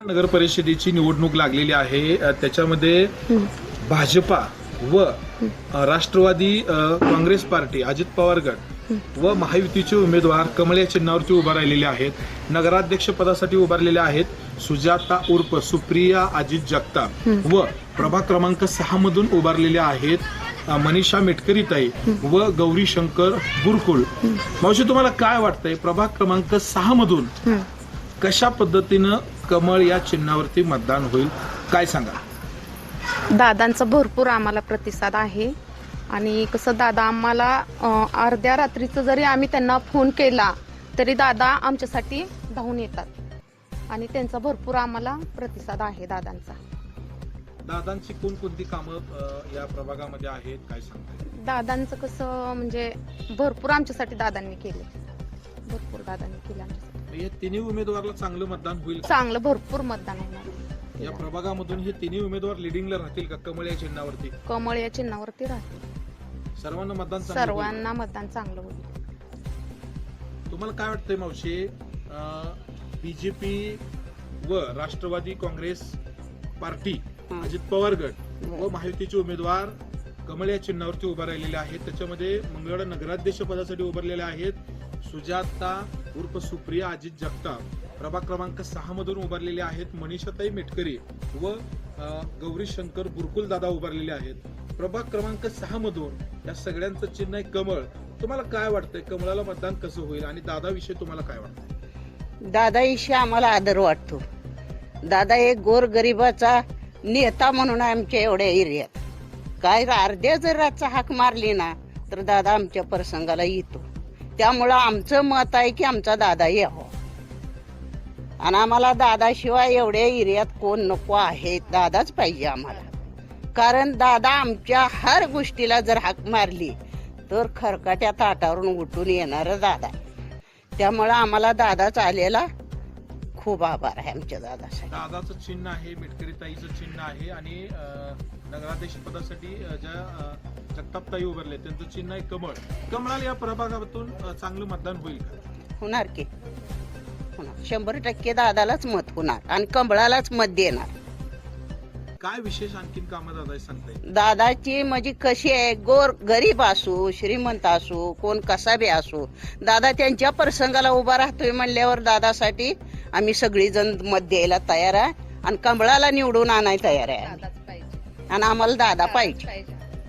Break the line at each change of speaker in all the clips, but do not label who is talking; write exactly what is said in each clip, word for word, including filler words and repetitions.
नगर परिषदेची निवडणूक लागलेली आहे. त्याच्यामध्ये भाजपा व राष्ट्रवादी काँग्रेस पार्टी, अजित पवार गट व महायुतीचे उमेदवार कमळ या चिन्हावरती उभा राहिलेले आहेत. नगराध्यक्ष पदासाठी उभारलेले आहेत सुजाता उर्फ सुप्रिया अजित जगताप व प्रभाग क्रमांक सहा मधून उभारलेले आहेत मनीषा मेटकरीताई व गौरी शंकर बुरकुळ. मावशी, तुम्हाला काय वाटतंय, प्रभाग क्रमांक सहा मधून कशा पद्धतीनं कमळ या चिन्हावरती मतदान होईल, काय सांगा?
दादांचा भरपूर आम्हाला प्रतिसाद आहे आणि कसं दादा आम्हाला अर्ध्या रात्रीचं जरी आम्ही त्यांना फोन केला तरी दादा आमच्यासाठी धावून येतात आणि त्यांचा भरपूर आम्हाला प्रतिसाद आहे दादांचा.
दादांची कोणकोणती कामं या प्रभागामध्ये आहेत, काय सांगताय?
दादांचं कसं म्हणजे भरपूर आमच्यासाठी दादांनी केले, भरपूर दादांनी केले आमच्यासाठी.
या तिन्ही उमेदवाराला चांगलं मतदान होईल,
चांगलं भरपूर मतदान होणार.
या प्रभागामधून हे तिन्ही उमेदवार लिडिंगला राहतील का कमळ या चिन्हावरती?
कमळ या चिन्हावरती राहतील.
सर्वांना मतदान
सर्वांना मतदान चांगलं होईल.
तुम्हाला काय वाटतंय मावशी, बीजेपी व राष्ट्रवादी काँग्रेस पार्टी, अजित पवार गट व महायुतीचे उमेदवार कमळ या चिन्हावरती उभा राहिलेले आहेत. त्याच्यामध्ये मंगळवेढा नगराध्यक्ष पदासाठी उभारलेले आहेत सुजाता उर्फ सुप्रिया अजित जगताप. प्रभाग क्रमांक सहा मधून उभारलेले आहेत मनीषाताई मेटकरी व गौरी शंकर बुरकुल दादा उभारलेले आहेत. प्रभाग क्रमांक सहा मधून या सगळ्यांचं चिन्ह आहे कमळ. तुम्हाला काय वाटतंय, कमळाला मतदान कसं होईल आणि दादाविषयी तुम्हाला काय वाटतंय?
दादाविषयी आम्हाला आदर वाटतो. दादा एक गोरगरिबाचा नेता म्हणून आमच्या एवढ्या एरियात काय अर्ध्या जर रातचा हाक मारली ना तर दादा आमच्या प्रसंगाला येतो. त्यामुळं आमचं मत आहे की आमचा दादा यावा आणि आम्हाला दादाशिवाय एवढ्या एरियात कोण नको आहे, दादाच पाहिजे आम्हाला. कारण दादा आमच्या हर गोष्टीला जर हाक मारली तर खरकाट्या ताटावरून उठून येणार दादा. त्यामुळं आम्हाला दादाच आलेला खूप आभार आहे आमच्या दादासाठी.
दादाचं चिन्ह आहे, मेटकरीताईचं चिन्ह आहे आणि नगराध्यक्ष पदासाठी ज्या जगतापताई उभारले त्यांचं चिन्ह आहे कमळ. कमळाला या प्रभागातून चांगलं मतदान होईल का?
होणार की होणार, शंभर टक्के दादालाच मत होणार आणि कमळालाच मत देणार.
काय विशेष आणखीन कामं दादा सांगता येईल?
दादाची म्हणजे कशी आहे, गोर गरीब असो श्रीमंत असो कोण कसा बी असो, दादा त्यांच्या प्रसंगाला उभा राहतोय म्हणल्यावर दादासाठी आम्ही सगळी जण मत द्यायला तयार आहे आणि कमळाला निवडून आणायला तयार आहे आणि आम्हाला दादा पाहिजे.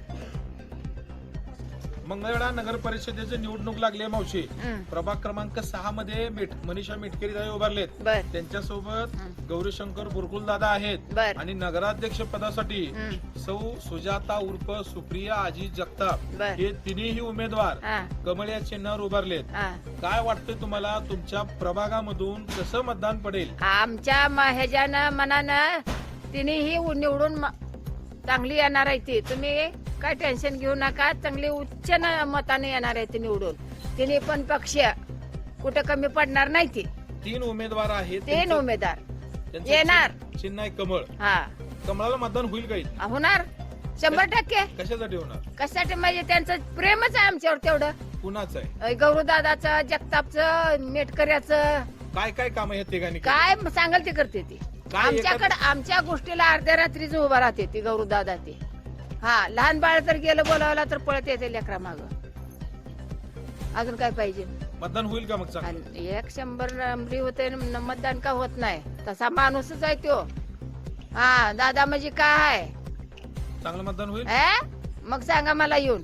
मंगळवेढा नगर परिषदेची निवडणूक लागली आहे मावशी. प्रभाग क्रमांक सहा मध्ये मनीषा मेटकरी दादा उभारलेत, त्यांच्यासोबत गौरीशंकर बुरकुल दादा आहेत आणि नगराध्यक्ष पदासाठी सौ सुजाता उर्फ सुप्रिया अजित जगताप हे तिन्ही उमेदवार कमळ या चिन्हावर उभारलेत. काय वाटतंय तुम्हाला, तुमच्या प्रभागामधून कसं मतदान पडेल?
आमच्या ह्याच्यानं मनानं तिन्ही निवडून चांगली येणार आहे ती. तुम्ही काय टेन्शन घेऊ नका, चांगली उच्च मताने येणार आहे ती निवडून. तिने पण पक्ष कुठं कमी पडणार नाही. ती
तीन उमेदवार आहेत,
तीन उमेदवार येणार.
चिन्ह आहे कमळ.
हा,
कमळाला मतदान होईल काही?
होणार शंभर टक्के.
कशासाठी होणार?
कशासाठी म्हणजे त्यांचं प्रेमच आहे आमच्यावर तेवढं.
कुणाचं आहे?
गौरवदादाचं, जगतापचं, मेटकऱ्याचं.
काय काय काम आहे तिघांनी?
काय सांगाल ते करते ती. आमच्याकडे आमच्या गोष्टीला अर्ध्या रात्रीच उभा राहते ती गौरवदादा. ती हा, लहान बाळ तर गेलं बोलावला तर पळत येते लेकरा माग. अजून काय पाहिजे?
मतदान होईल का मग?
एक शंभर नंबरी होते, मतदान का होत नाही? तसा माणूसच आहे तो. हा, दादा म्हणजे काय आहे,
चांगलं मतदान होईल.
मग सांगा मला येऊन.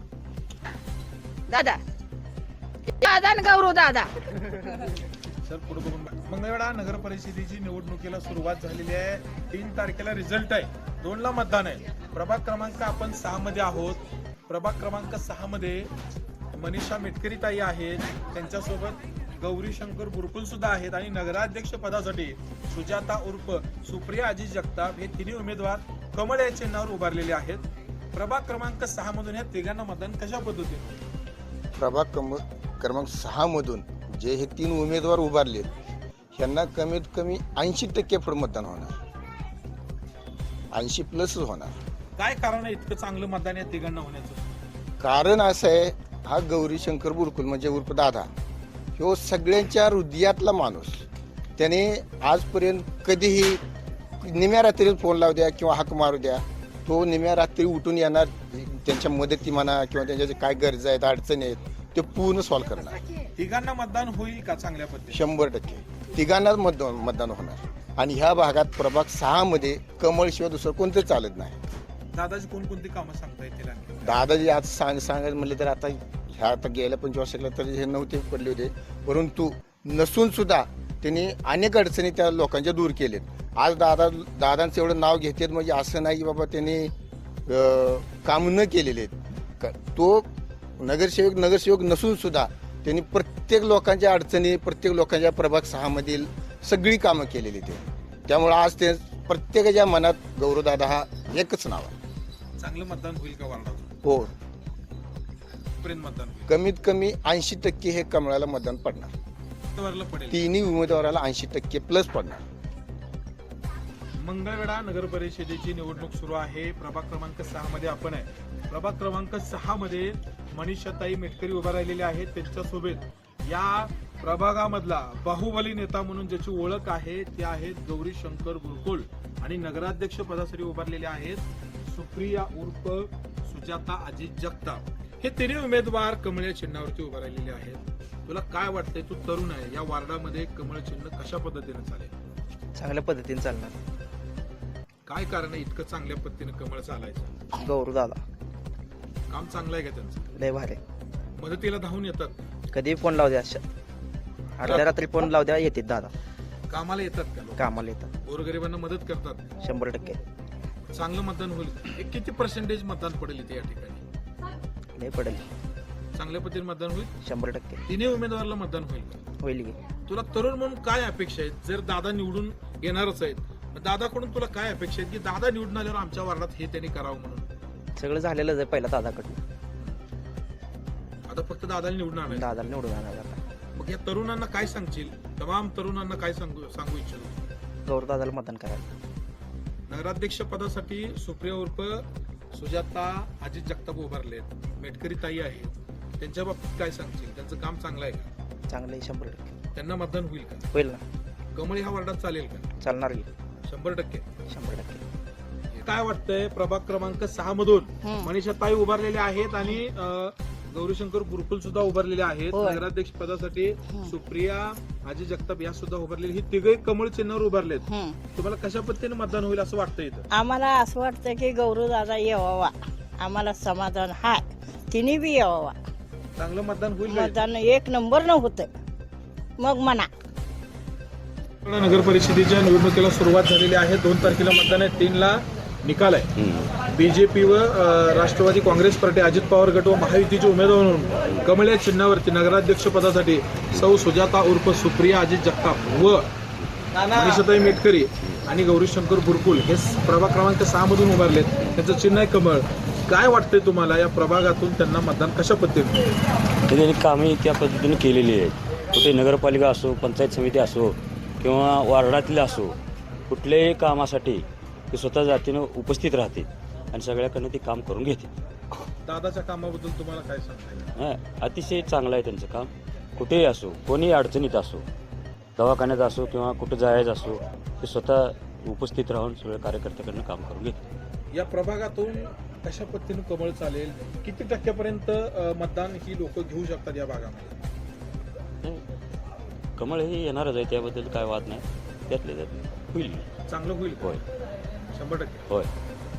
दादा दादा गौरव दादा.
सर पुढे बघून. मंगळवेढा नगर परिषदेची निवडणुकीला सुरुवात झालेली आहे. तीन तारखेला रिझल्ट आहे, दोन ला मतदान आहे. प्रभाग क्रमांक आपण सहा मध्ये आहोत. प्रभाग क्रमांक सहा मध्ये मनीषा मेटकरी ताई आहेत, त्यांच्यासोबत गौरी शंकर बुरकुल सुद्धा आहेत आणि नगराध्यक्ष पदासाठी सुजाता उर्फ सुप्रिया अजित जगताप हे तिन्ही उमेदवार कमळ या चिन्हावर उभारलेले आहेत. प्रभाग क्रमांक सहा मधून या तिघांना मतदान कशा पद्धतीने?
प्रभाग क्रमांक सहा मधून जे हे तीन उमेदवार उभारलेत ह्यांना कमीत कमी ऐंशी टक्के पुढे मतदान होणार, ऐंशी प्लस होणार.
काय कारण आहे इतकं चांगलं मतदान या तिघांना होण्याचं?
कारण असं आहे, हा गौरी शंकर बुरकुल म्हणजे उर्फ दादा ह्यो सगळ्यांच्या हृदयातला माणूस. त्याने आजपर्यंत कधीही निम्या रात्री फोन लावू द्या किंवा हाक मारू द्या, तो निम्या रात्री उठून येणार, त्यांच्या मदती म्हणा किंवा त्यांच्या जे काय गरजा आहेत अडचणी आहेत ते पूर्ण सॉल्व्ह करणार.
तिघांना मतदान होईल का चांगल्या पद्धतीने?
शंभर टक्के तिघांनाच मतदान मतदान होणार. आणि ह्या भागात प्रभाग सहा मध्ये कमळशिवाय दुसरं कोणतं चालत नाही.
दादाची कोणकोणती कामं सांगता येतील आणखी?
दादाजी आज सांग सांगायचं म्हणले तर आता ह्या आता गेल्या पंचवीस वर्षाला तर हे नव्हते पडले होते, परंतु नसून सुद्धा त्यांनी अनेक अडचणी त्या लोकांच्या दूर केलेत. आज दादा दादांचं एवढं नाव घेतात म्हणजे असं नाही की बाबा त्यांनी अं, काम न केलेले आहेत. क- तो नगरसेवक नगरसेवक नसून सुद्धा त्यांनी प्रत्येक लोकांच्या अडचणी, प्रत्येक लोकांच्या प्रभाग सहा मधील सगळी कामं केलेली ते. त्यामुळे आज ते प्रत्येकाच्या मनात गौरवदादा हा एकच नाव आहे.
चांगलं मतदान होईल का वार्डातून?
हो,
पर्यंत मतदान होईल?
कमीत कमी ऐंशी टक्के हे कमळाला मतदान पडणार.
वरला पडेल.
तिन्ही उमेदवाराला ऐंशी टक्के प्लस पडणार.
मंगळवेढा नगर परिषदेची निवडणूक सुरू आहे. प्रभाग क्रमांक सहा मध्ये आपण आहे. प्रभाग क्रमांक सहा मध्ये मनीषाताई मेटकरी उभा राहिलेले आहेत. त्यांच्यासोबत या प्रभागामधला बाहुबली नेता म्हणून ज्याची ओळख आहे ते आहेत गौरी शंकर गुरुकुल आणि नगराध्यक्ष पदासाठी उभारलेले आहेत सुप्रिया उर्फ सुजाता अजित जगताप. हे तिन्ही उमेदवार कमळ चिन्हावरती उभा राहिलेले आहेत. तुला काय वाटतंय, तू तरुण आहे, या वार्डामध्ये कमळ चिन्ह कशा पद्धतीने चालेल?
चांगल्या पद्धतीने चालणार.
काय कारण आहे इतकं चांगल्या पद्धतीने कमळ चालायचं?
गौरू दादा
काम चांगलं आहे का त्यांचं?
लय भारी.
मदतीला धावून येतात,
कधी फोन लावू द्या, अर्ध्या रात्री फोन लावू द्या, येतात दादा.
कामाला येतात का लोक?
कामाला येतात.
गोरगरिबांना मदत करतात.
शंभर टक्के.
चांगलं मतदान होईल. हे किती पर्सेंटेज मतदान पडेल इथे या ठिकाणी?
लय पडेल.
चांगल्या पद्धतीने मतदान होईल.
शंभर टक्के
तिन्ही उमेदवाराला मतदान होईल का?
होईल की.
तुला तरुण म्हणून काय अपेक्षा आहेत? जर दादा निवडून येणारच आहेत, मग दादाकडून तुला काय अपेक्षा आहेत की दादा निवडून आल्यावर आमच्या वार्डात हे त्यांनी करावं म्हणून?
सगळं झालेलंच आहे पहिला दादाकडनं.
आता फक्त दादाला निवडून आणायचं.
दादाला निवडून आणणार आता.
मग या तरुणांना काय सांगशील? तमाम तरुणांना काय सांगू सांगू इच्छितो?
गौरू दादाला मतदान करायला.
नगराध्यक्ष पदासाठी सुप्रिया उर्फ सुजाता अजित जगताप उभारलेत. मेटकरी ताई आहेत, त्यांच्या बाबतीत काय सांगशील? त्यांचं काम चांगलं आहे का?
चांगलं आहे. शंभर टक्के
त्यांना मतदान होईल का?
होईल ना.
कमळ ह्या वार्डात चालेल का?
चालणार की.
शंभर टक्के.
शंभर टक्के.
काय वाटतंय प्रभाग क्रमांक सहा मधून
हं.
मनीषा ताई उभारलेले आहेत आणि अं, गौरीशंकर गुरुकुल सुद्धा उभारलेले आहेत.
होय.
नगराध्यक्ष पदासाठी सुप्रिया अजित जगताप या सुद्धा उभारलेले. ही तिघे कमळ चिन्हावर उभारलेत.
हं.
तुम्हाला कशा पद्धतीने मतदान होईल असं वाटतं इथं?
आम्हाला असं वाटतं की गौरू दादा यावा, आम्हाला समाधान हाय, तिने बी यावा.
चांगलं मतदान होईल का इथं?
मतदान एक नंबर न होतं मग म्हणा.
नगर परिषदेच्या निवडणुकीला सुरुवात झालेली आहे. दोन तारखेला मतदान आहे, तीन ला निकाल आहे. बीजेपी व अ, राष्ट्रवादी काँग्रेस पार्टी, अजित पवार गट व महायुतीचे उमेदवार म्हणून कमळ या चिन्हावरती नगराध्यक्ष पदासाठी सौ सुजाता उर्फ सुप्रिया अजित जगताप व मनीषाताई मेटकरी आणि गौरीशंकर गुरुकुल हे प्रभाग क्रमांक सहा मधून उभारलेत. त्यांचं चिन्ह आहे कमळ. काय वाटतंय तुम्हाला या प्रभागातून त्यांना मतदान कशा पद्धतीने?
त्यांनी कामे त्या पद्धतीने केलेली आहेत. कुठे नगरपालिका असो, पंचायत समिती असो किंवा वार्डातले असो, कुठल्याही कामासाठी ते स्वतः जातीनं उपस्थित राहते आणि सगळ्याकडनं ते काम करून घेते.
दादाच्या कामाबद्दल तुम्हाला काय सांगता येईल?
हां, अतिशय चांगलं आहे त्यांचं काम. कुठेही असो, कोणीही अडचणीत असो, दवाखान्यात असो किंवा कुठं जायचं असो, ते स्वतः उपस्थित राहून सगळ्या कार्यकर्त्याकडनं काम करून घेते.
या प्रभागातून कशा पद्धतीने कमळ चालेल? किती टक्क्यापर्यंत अ, मतदान ही लोक घेऊ शकतात या भागामध्ये?
कमळ हे येणारच आहे, त्याबद्दल काय वाद नाही. त्यातले त्यात होईल.
चांगलं होईल का?
होय.
शंभर टक्के.
होय.